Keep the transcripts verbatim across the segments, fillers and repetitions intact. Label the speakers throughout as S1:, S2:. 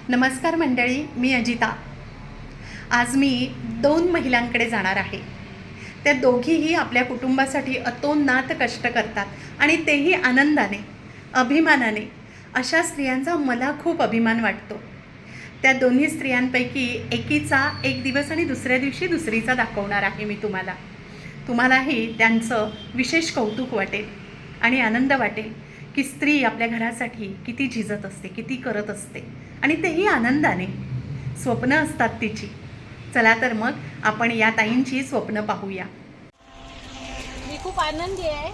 S1: नमस्कार मंडळी, मी अजिता. आज मी दोन महिलांकडे जाणार आहे. त्या दोघीही आपल्या कुटुंबासाठी अतोनात कष्ट करतात आणि तेही आनंदाने, अभिमानाने. अशा स्त्रियांचा मला खूप अभिमान वाटतो. त्या दोन्ही स्त्रियांपैकी एकीचा एक दिवस आणि दुसऱ्या दिवशी दुसरीचा दाखवणार आहे मी तुम्हाला. तुम्हालाही त्यांचं विशेष कौतुक वाटेल आणि आनंद वाटेल की स्त्री आपल्या घरासाठी किती झिजत असते, किती करत असते आणि तेही आनंदाने. स्वप्न असतात तिची. चला तर मग आपण या ताईंची स्वप्न पाहूया.
S2: मी खूप आनंदी आहे.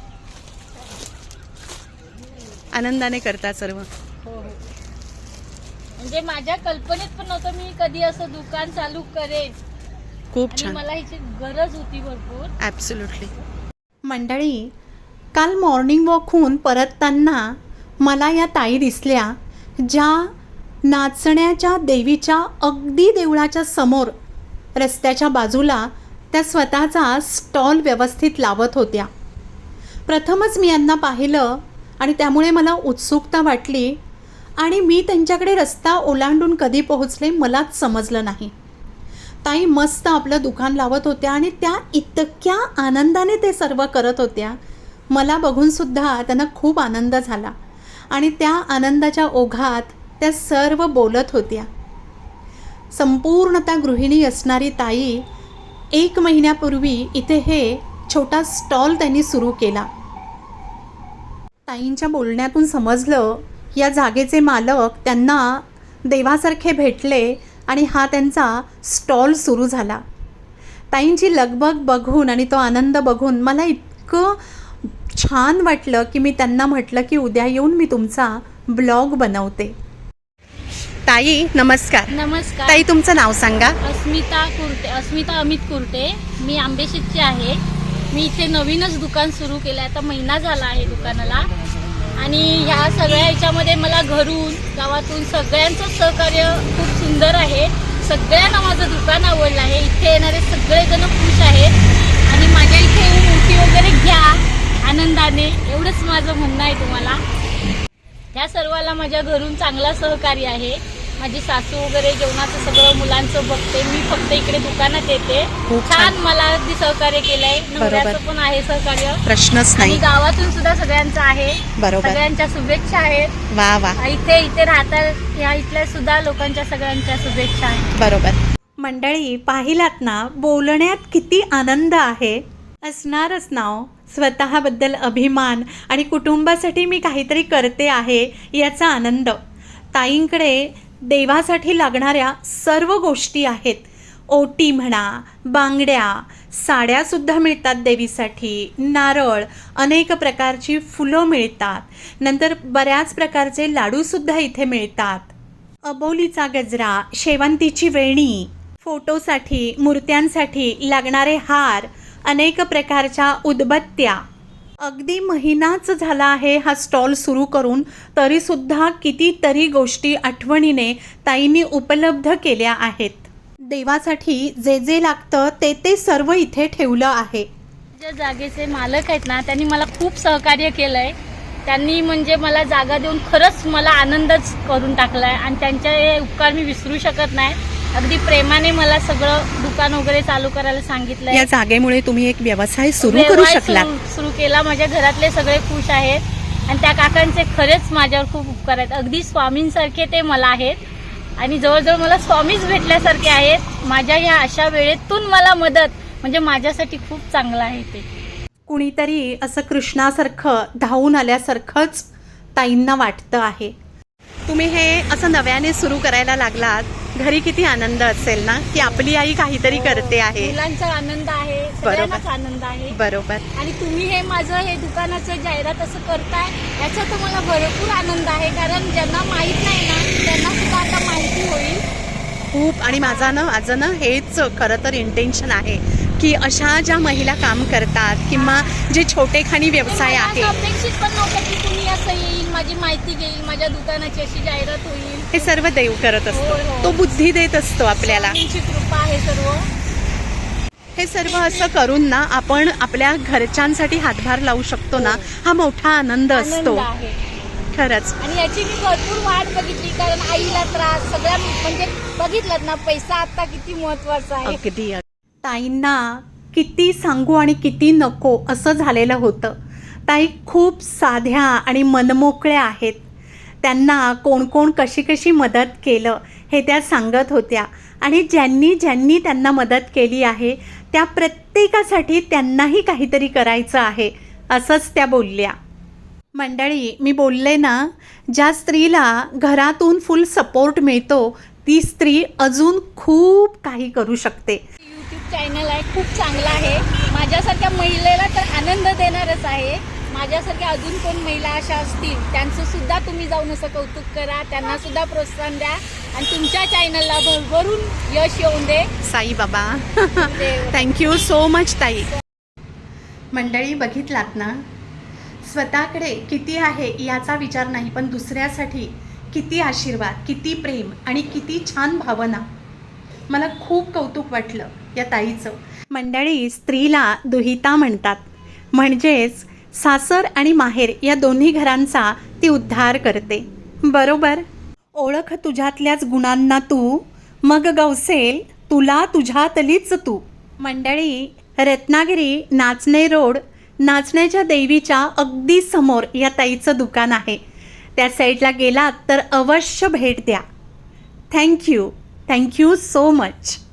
S1: आनंदाने करतात सर्व.
S2: हो हो म्हणजे माझ्या कल्पनेत पण नव्हतं मी कधी असं दुकान चालू करेन.
S1: खूप
S2: आणि
S1: छान.
S2: मला ह्याची गरज होती भरपूर.
S1: ॲब्सोल्युटली. मंडळी, काल मॉर्निंग वॉकहून परतताना मला या ताई दिसल्या, ज्या नाचण्याच्या देवीच्या अगदी देवळाच्या समोर रस्त्याच्या बाजूला त्या स्वतःचा स्टॉल व्यवस्थित लावत होत्या. प्रथमच मी यांना पाहिलं आणि त्यामुळे मला उत्सुकता वाटली आणि मी त्यांच्याकडे रस्ता ओलांडून कधी पोहोचले मलाच समजलं नाही. ताई मस्त आपलं दुकान लावत होत्या आणि त्या इतक्या आनंदाने ते सर्व करत होत्या. मला बघूनसुद्धा त्यांना खूप आनंद झाला आणि त्या आनंदाच्या ओघात त्या सर्व बोलत होत्या. संपूर्णतः गृहिणी असणारी ताई एक महिन्यापूर्वी इथे हे छोटा स्टॉल त्यांनी सुरू केला. ताईंच्या बोलण्यातून समजलं या जागेचे मालक त्यांना देवासारखे भेटले आणि हा त्यांचा स्टॉल सुरू झाला. ताईंची लगबग बघून आणि तो आनंद बघून मला इतकं छान वाटलं की मी त्यांना म्हटलं की उद्या येऊन मी तुमचा ब्लॉग बनवते. ताई नमस्कार.
S2: नमस्कार.
S1: ताई तुमचं नाव सांगा.
S2: अस्मिता कुर्टे, अस्मिता अमित कुर्टे. मी आंबेशीची आहे. मी इथे नवीनच दुकान सुरू केलं आहे. आता महिना झाला आहे दुकानाला. आणि ह्या सगळ्या ह्याच्यामध्ये मला घरून गावातून सगळ्यांचं सहकार्य खूप सुंदर आहे. सगळ्यांना माझं दुकान आवडलं आहे. इथे येणारे सगळेजण खुश आहेत आणि माझ्या इथे येऊन उठी वगैरे घ्या आनंदाने, एवढंच माझं म्हणणं आहे तुम्हाला. त्या सर्वाला माझ्या घरून चांगला सहकार्य आहे. माझी सासू वगैरे जेवणाचं सगळं मुलांचं बघते. मी फक्त इकडे दुकानात येते. छान मला अगदी सहकार्य केलंय. नवऱ्याचं पण आहे सहकार्य,
S1: प्रश्नच
S2: आणि
S1: नाही.
S2: गावातून सुद्धा सगळ्यांचं आहे.
S1: बरोबर.
S2: सगळ्यांच्या शुभेच्छा आहेत.
S1: वा वा.
S2: इथे इथे राहतात या इथल्या सुद्धा लोकांच्या सगळ्यांच्या शुभेच्छा आहेत.
S1: बरोबर. मंडळी, पाहिलात ना बोलण्यात किती आनंद आहे. असणारच नाव स्वतःबद्दल अभिमान आणि कुटुंबासाठी मी काहीतरी करते आहे याचा आनंद. ताईंकडे देवासाठी लागणाऱ्या सर्व गोष्टी आहेत. ओटी म्हणा, बांगड्या, साड्यासुद्धा मिळतात देवीसाठी, नारळ, अनेक प्रकारची फुलं मिळतात. नंतर बऱ्याच प्रकारचे लाडूसुद्धा इथे मिळतात. अबोलीचा गजरा, शेवंतीची वेणी, फोटोसाठी, मूर्त्यांसाठी लागणारे हार, अनेक प्रकारच्या उदबत्त्या. अगदी महिनाच झाला आहे हा स्टॉल सुरू करून, तरीसुद्धा कितीतरी गोष्टी आठवणीने ताईंनी उपलब्ध केल्या आहेत. देवासाठी जे जे लागतं ते ते सर्व इथे ठेवलं आहे.
S2: ज्या जागेचे मालक आहेत ना, त्यांनी मला खूप सहकार्य केलंय. त्यांनी म्हणजे मला जागा देऊन खरंच मला आनंदच करून टाकलाय आणि त्यांचे हे उपकार मी विसरू शकत नाही. अगदी प्रेमाने मला सगळं दुकान वगैरे चालू करायला सांगितलंय.
S1: या जागेमुळे तुम्ही एक व्यवसाय सुरू करू शकला.
S2: सुरू केला. माझ्या घरातले सगळे खुश आहेत आणि त्या काकांचे खरेच माझ्यावर खूप उपकार आहेत. अगदी स्वामींसारखे ते मला आहेत आणि जवळजवळ मला स्वामीच भेटल्यासारखे आहेत. माझ्या या अशा वेळेतून मला मदत म्हणजे माझ्यासाठी खूप चांगलं आहे. ते
S1: कुणीतरी असं कृष्णासारखं धावून आल्यासारखंच ताईंना वाटतं आहे. तुम्ही हे असं नव्याने सुरू करायला लागलात, घरी किती आनंद असेल ना की आपली आई काहीतरी करते आहे.
S2: मुलांचा आनंद आहे, सगळ्यांनाच आनंद आहे.
S1: बरोबर.
S2: आणि तुम्ही हे माझं हे दुकानाचं जाहिरात असं करताय याचा तर मला भरपूर आनंद आहे. कारण ज्यांना माहीत नाही ना त्यांना सुद्धा आता माहिती होईल
S1: खूप. आणि माझा ना माझं ना हेच खरं तर इंटेन्शन आहे की अशा ज्या महिला काम करतात किंवा जे छोटेखानी व्यवसाय आहेत,
S2: अपेक्षित पण नव्हतं की तुम्ही असं येईल, माझी माहिती घेईल, माझ्या दुकानाची अशी जाहिरात होईल.
S1: हे सर्व देव करत असतो. तो बुद्धी देत असतो आपल्याला.
S2: तुमची कृपा आहे सर्व.
S1: हे सर्व असं करून ना आपण आपल्या घरच्यांसाठी हातभार लावू शकतो ना, हा मोठा आनंद असतो. खरंच.
S2: आणि याची मी भरपूर वाट बघितली, कारण आईला त्रास सगळ्या म्हणजे बघितलं ना, पैसा आता किती महत्वाचा आहे.
S1: अगदी. ताईंना किती सांगू आणि किती नको असं झालेलं होतं. ताई खूप साध्या आणि मनमोकळ्या आहेत. त्यांना कोण कोण कशी कशी मदत केलं हे त्या सांगत होत्या, आणि ज्यांनी ज्यांनी त्यांना मदत केली आहे त्या प्रत्येकासाठी त्यांनाही काहीतरी करायचं आहे असंच त्या बोलल्या. मंडळी, मी बोलले ना, ज्या स्त्रीला घरातून फुल सपोर्ट मिळतो ती स्त्री अजून खूप काही करू शकते.
S2: यूट्यूब चॅनल आहे, खूप चांगला आहे. माझ्यासारख्या महिलेला तर आनंद देणारच आहे. माझ्यासारख्या अजून कोण महिला अशा असतील त्यांचं सुद्धा तुम्ही जाऊन असं कौतुक करा, त्यांना सुद्धा प्रोत्साहन द्या आणि तुमच्या चॅनलला भरभरून यश येऊन दे.
S1: साई बाबा. थँक्यू सो मच ताई. मंडळी, बघितलात ना, स्वतःकडे किती आहे याचा विचार नाही, पण दुसऱ्यासाठी किती आशीर्वाद, किती प्रेम आणि किती छान भावना. मला खूप कौतुक वाटलं या ताईचं. मंडळी, स्त्रीला दुहिता म्हणतात, म्हणजेच सासर आणि माहेर या दोन्ही घरांचा ती उद्धार करते. बरोबर. ओळख तुझ्यातल्याच गुणांना तू, मग गवसेल तुला तुझ्यातलीच तू. मंडळी, रत्नागिरी नाचणे रोड, नाचण्याच्या देवीच्या अगदी समोर या ताईचं दुकान आहे. त्या साईडला गेलात तर अवश्य भेट द्या. थँक्यू. Thank you so much.